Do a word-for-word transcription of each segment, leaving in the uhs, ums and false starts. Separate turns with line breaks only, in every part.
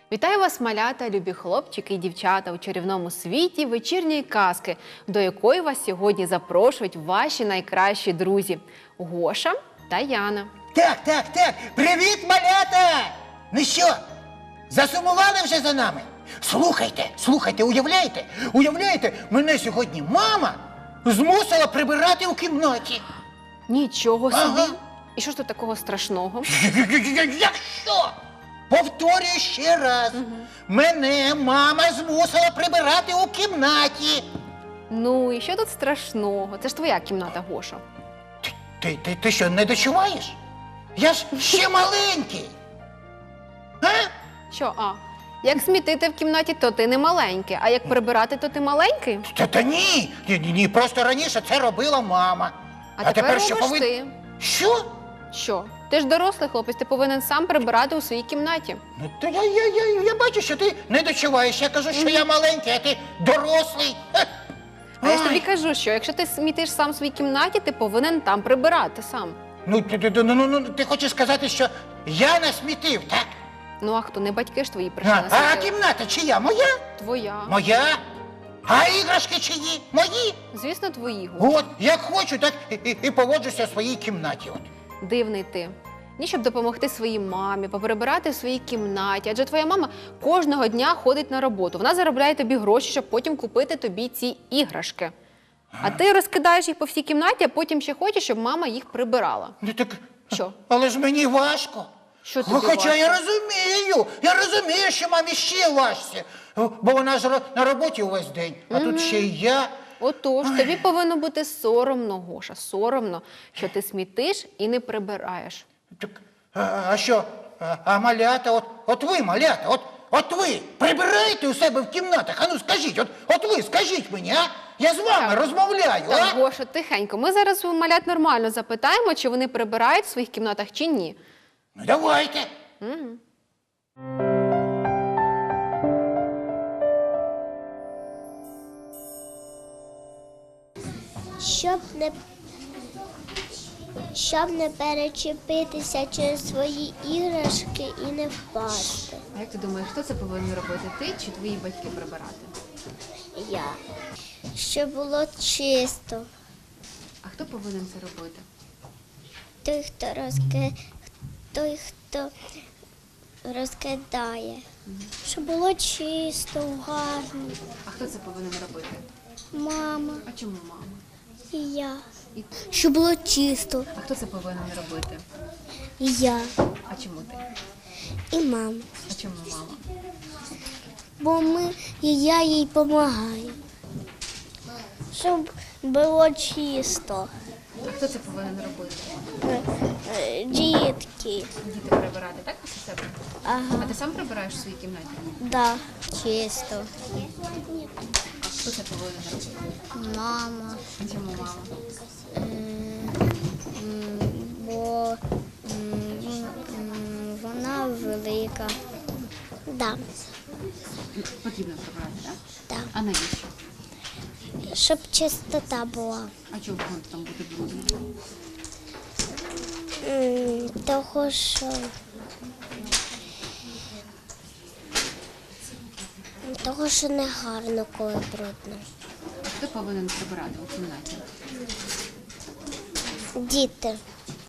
Вітаю вас, малята, любі хлопчики і дівчата у чарівному світі вечірньої казки, до якої вас сьогодні запрошують ваші найкращі друзі – Гоша та Яна.
Так, так, так. Привіт, малята! Ну що, засумували вже за нами? Слухайте, слухайте, уявляєте? Уявляєте, мене сьогодні мама змусила прибирати у кімнаті.
Нічого собі!
Ага.
І що ж тут такого страшного?
Якщо? Повторюю ще раз. Угу. Мене мама змусила прибирати у кімнаті.
Ну, і що тут страшного? Це ж твоя кімната, Гоша.
Ти, ти, ти, ти що, не дочуваєш? Я ж ще маленький. А?
Що, а? Як смітити в кімнаті, то ти не маленький, а як прибирати, то ти маленький?
Та, та ні, ні, ні, ні, просто раніше це робила мама.
А, а тепер
що
робиш
повин...
ти.
Що?
Що? Ти ж дорослий хлопець, ти повинен сам прибирати у своїй кімнаті.
Ну, то я, я, я, я бачу, що ти не дочуваєш. Я кажу, що mm. я маленький, а ти дорослий.
А я ж тобі кажу, що якщо ти смітиш сам у своїй кімнаті, ти повинен там прибирати сам.
Ну, ти, ти, ну, ну, ти хочеш сказати, що я насмітив, так?
Ну, а хто? Не батьки ж твої прийшли
А, а кімната чия? Моя?
Твоя.
Моя? А іграшки чиї? Мої?
Звісно, твої.
От, як хочу, так і, і, і поводжуся в своїй кімнаті. От.
Дивний ти. Ні, щоб допомогти своїй мамі, поприбирати в своїй кімнаті. Адже твоя мама кожного дня ходить на роботу. Вона заробляє тобі гроші, щоб потім купити тобі ці іграшки. А ти розкидаєш їх по всій кімнаті, а потім ще хочеш, щоб мама їх прибирала.
Ну так,
що?
Але ж мені важко.
Що тобі
Хоча
важко?
я розумію, я розумію, що мамі ще важче, бо вона ж на роботі увесь день, а mm-hmm. тут ще й я.
Отож, Ой. тобі повинно бути соромно, Гоша, соромно, що ти смітиш і не прибираєш.
Так, а, а що, а, а малята, от, от ви, малята, от, от ви прибираєте у себе в кімнатах? А ну скажіть, от, от ви скажіть мені, а? Я з вами так. розмовляю,
так,
а?
Гоша, тихенько. Ми зараз у малят нормально запитаємо, чи вони прибирають в своїх кімнатах, чи ні.
Ну, давайте.
Угу.
Щоб не, щоб не перечепитися через свої іграшки і не впасти.
А як ти думаєш, хто це повинен робити? Ти чи твої батьки прибирати?
Я. Щоб було чисто.
А хто повинен це робити?
Той, хто розки... той, хто розкидає. Угу. Щоб було чисто, гарно.
А хто це повинен робити?
Мама.
А чому мама?
І я.
І...
Щоб було чисто.
А хто це повинен робити?
І я.
А чому ти?
І мама.
А чому мама?
Бо ми, і я їй допомагаю. Щоб було чисто.
А хто це повинен робити?
Дітки.
Діти прибирати, так, після себе?
Ага.
А ти сам прибираєш в своїй кімнаті?
Да, чисто.
Хто це повинен робити?
Мама.
А чому мама?
Бо вона велика. Да.
Потрібно прибирати, так?
Так.
А навіщо?
Щоб чистота була.
А чого там буде брудно?
Того, що... Того, що не гарно, коли брудно.
А хто повинен прибирати у кімнаті?
Діти.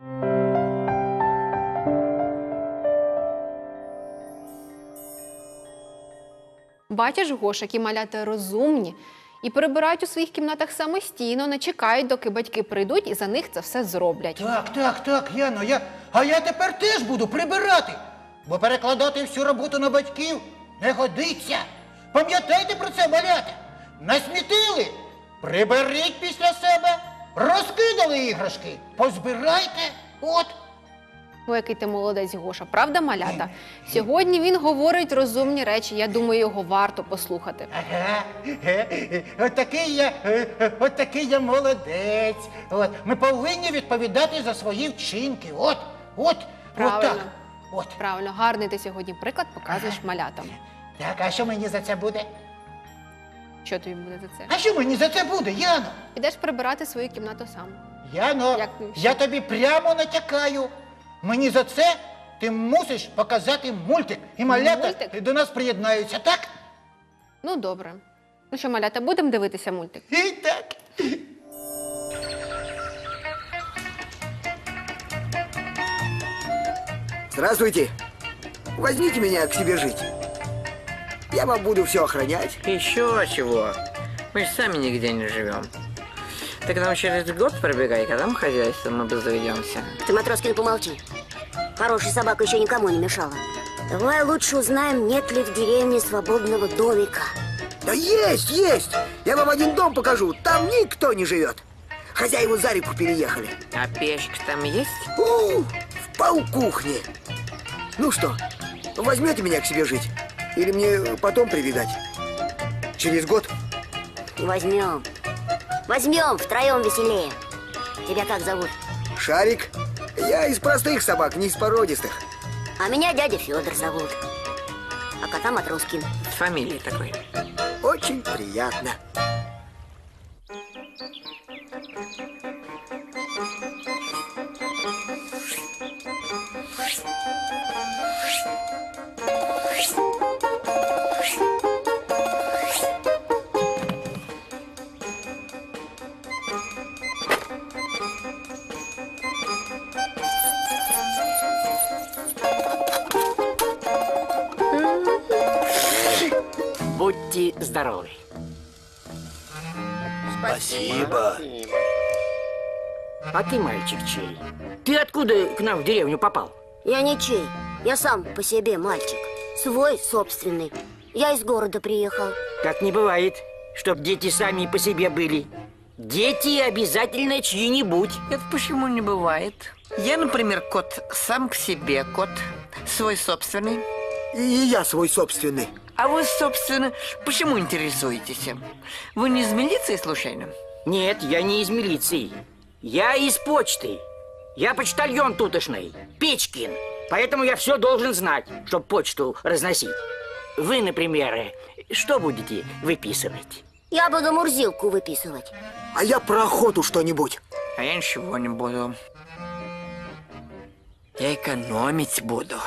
Бачиш, Гоша, які малята розумні і прибирають у своїх кімнатах самостійно, не чекають, доки батьки прийдуть і за них це все зроблять.
Так, так, так, Яно, я... а я тепер теж буду прибирати, бо перекладати всю роботу на батьків не годиться. Пам'ятайте про це, малята. Насмітили? Приберіть після себе. Розкидали іграшки? Позбирайте. От.
Ой, який ти молодець, Гоша. Правда, малята? Сьогодні він говорить розумні речі. Я думаю, його варто послухати.
Ага. От такий я, от такий я молодець. От. Ми повинні відповідати за свої вчинки. От, от,
Правильно.
от так. От.
Правильно, гарний ти сьогодні приклад показуєш малятам.
Так, а що мені за це буде?
Що тобі буде за це?
А що мені за це буде, Яно?
Підеш прибирати свою кімнату сам.
Яно,
Як-
я тобі прямо натякаю. Мені за це ти мусиш показати мультик. І малята
Мультик?
до нас приєднаються, так?
Ну, добре. Ну що, малята, будемо дивитися мультик?
І так.
Здравствуйте. Возьмите меня к себе жить. Я вам буду все охранять.
Еще чего? Мы же сами нигде не живем. Ты к нам через год пробегай, когда мы хозяйством обзаведемся.
Ты, Матроскин, помолчи. Хорошая собака еще никому не мешала. Давай лучше узнаем, нет ли в деревне свободного домика.
Да есть, есть. Я вам один дом покажу. Там никто не живет. Хозяева за реку переехали.
А печка там есть?
У, в полкухне. Ну что, возьмете меня к себе жить? Или мне потом прибегать? Через год?
Возьмем. Возьмем, втроем веселее. Тебя как зовут?
Шарик. Я из простых собак, не из породистых.
А меня дядя Федор зовут. А кота Матроскин.
С фамилией такой.
Очень приятно.
Будьте здоровы.
Спасибо.
А ты, мальчик, чей? Ты откуда к нам в деревню попал?
Я ничей. Я сам по себе мальчик. Свой, собственный. Я из города приехал.
Так не бывает, чтоб дети сами по себе были. Дети обязательно чьи-нибудь.
Это почему не бывает? Я, например, кот сам к себе, кот свой собственный.
И я свой собственный.
А вы, собственно, почему интересуетесь? Вы не из милиции, случайно?
Нет, я не из милиции. Я из почты. Я почтальон тутошный, Печкин. Поэтому я все должен знать, чтобы почту разносить. Вы, например, что будете выписывать?
Я буду Мурзилку выписывать.
А я про охоту что-нибудь.
А я ничего не буду. Я экономить буду.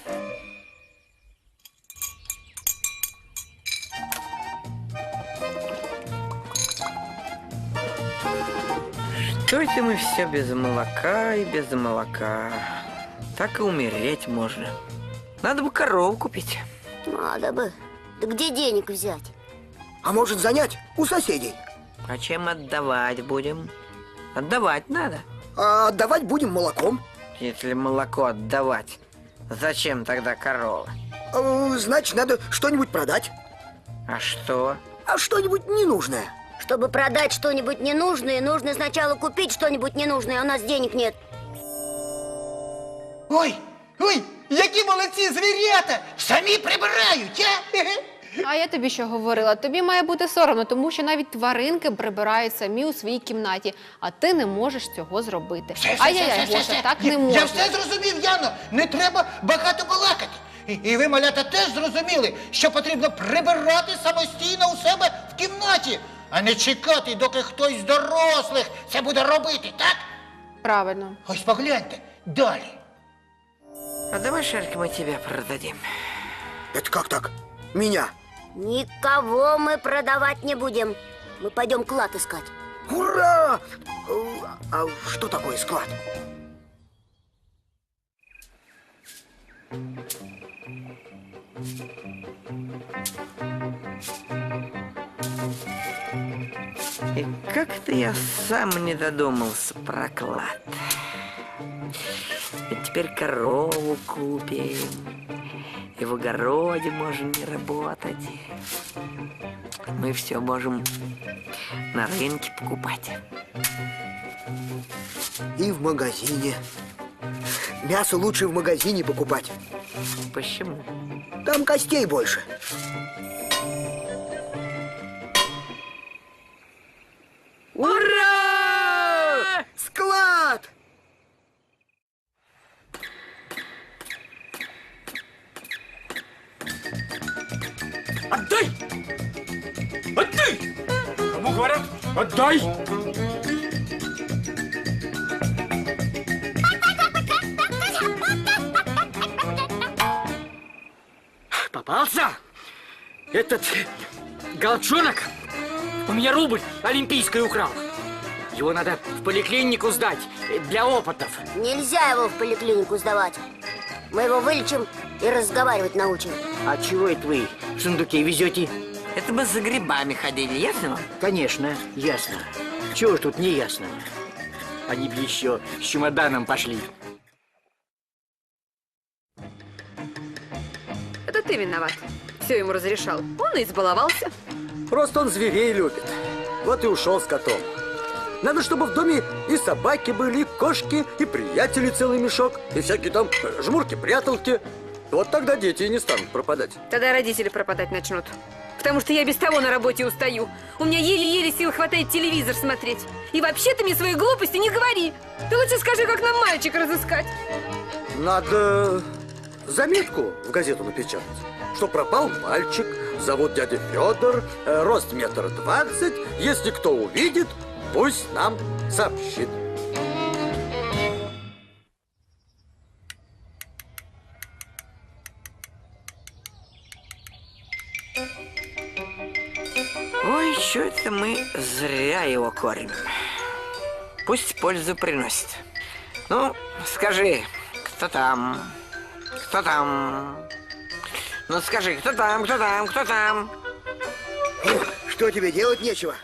Что это мы все без молока и без молока? Так и умереть можно. Надо бы корову купить.
Надо бы. Да где денег взять?
А может занять у соседей?
А чем отдавать будем? Отдавать надо.
А отдавать будем молоком.
Если молоко отдавать, зачем тогда корова?
Э, Значит, надо что-нибудь продать.
А что?
А что-нибудь ненужное.
Чтобы продать что-нибудь ненужное, нужно сначала купить что-нибудь ненужное, а у нас денег нет.
Ой, ой, які молодці звірята! Самі прибирають, а?
А я тобі що говорила? Тобі має бути соромно, тому що навіть тваринки прибирають самі у своїй кімнаті, а ти не можеш цього зробити.
Все, все,
Ай-яй-яй,
все, все,
Гоша,
все.
так
Я-
не можна.
Я все зрозумів, Яно. Не треба багато балакати. І, і ви, малята, теж зрозуміли, що потрібно прибирати самостійно у себе в кімнаті, а не чекати, доки хтось з дорослих це буде робити, так?
Правильно.
Ось погляньте, далі.
А давай, Шарик, мы тебя продадим.
Это как так? Меня?
Никого мы продавать не будем. Мы пойдем клад искать.
Ура! Э, А что такое склад?
И как-то я сам не додумался про клад. Ведь теперь корову купим, и в огороде можем не работать. Мы все можем на рынке покупать.
И в магазине. Мясо лучше в магазине покупать.
Почему?
Там костей больше.
Ура!
Склад!
Отдай! Отдай! Кому говорят? Отдай! Алса! Этот голчонок у меня рубль олимпийский украл. Его надо в поликлинику сдать для опытов.
Нельзя его в поликлинику сдавать. Мы его вылечим и разговаривать научим.
А чего это вы в сундуке везете?
Это мы за грибами ходили, ясно вам?
Конечно, ясно. Чего ж тут не ясно? Они бы еще с чемоданом пошли.
Это ты виноват. Все ему разрешал. Он и избаловался.
Просто он зверей любит. Вот и ушел с котом. Надо, чтобы в доме и собаки были, и кошки, и приятели целый мешок, и всякие там э, жмурки-пряталки. Вот тогда дети и не станут пропадать.
Тогда родители пропадать начнут. Потому что я без того на работе устаю. У меня еле-еле сил хватает телевизор смотреть. И вообще ты мне свои глупости не говори. Ты лучше скажи, как нам мальчика разыскать.
Надо заметку в газету напечатать, что пропал мальчик, зовут дядя Федор, э, рост метр двадцать. Если кто увидит, пусть нам сообщит.
Ой, что это мы зря его кормим. Пусть пользу приносит. Ну, скажи, кто там? Кто там? Ну, скажи, кто там, кто там, кто там?
Что тебе делать нечего?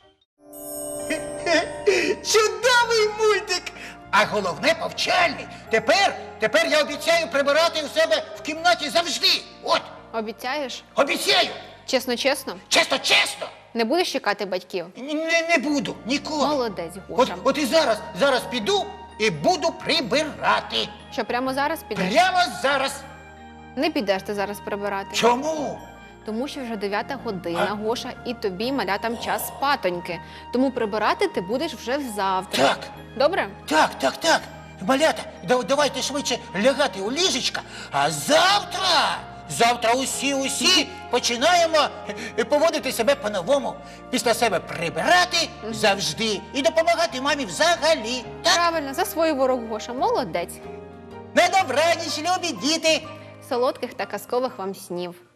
Чудовий мультик! А головне повчальний. Тепер, тепер я обіцяю прибирати у себе в кімнаті завжди. От,
Обіцяєш?
обіцяю.
Чесно-чесно?
Чесно, чесно.
Не будеш чекати батьків?
Не, не буду, ніколи.
Молодець,
От,
Гоша.
от і зараз, зараз піду і буду прибирати.
Що, прямо зараз підеш?
Прямо зараз.
Не підеш ти зараз прибирати.
Чому?
Тому що вже дев'ята година, Гоша, і тобі, малятам, час спатоньки. Тому прибирати ти будеш вже завтра.
Так.
Добре?
Так, так, так. Малята, да- давайте швидше лягати у ліжечка, а завтра, завтра усі-усі починаємо е, поводити себе по-новому. Після себе прибирати завжди і допомагати мамі взагалі. Так?
Правильно, засвоїв ворог, Гоша. Молодець.
На добраніч, любі діти!
Солодких та казкових вам снів.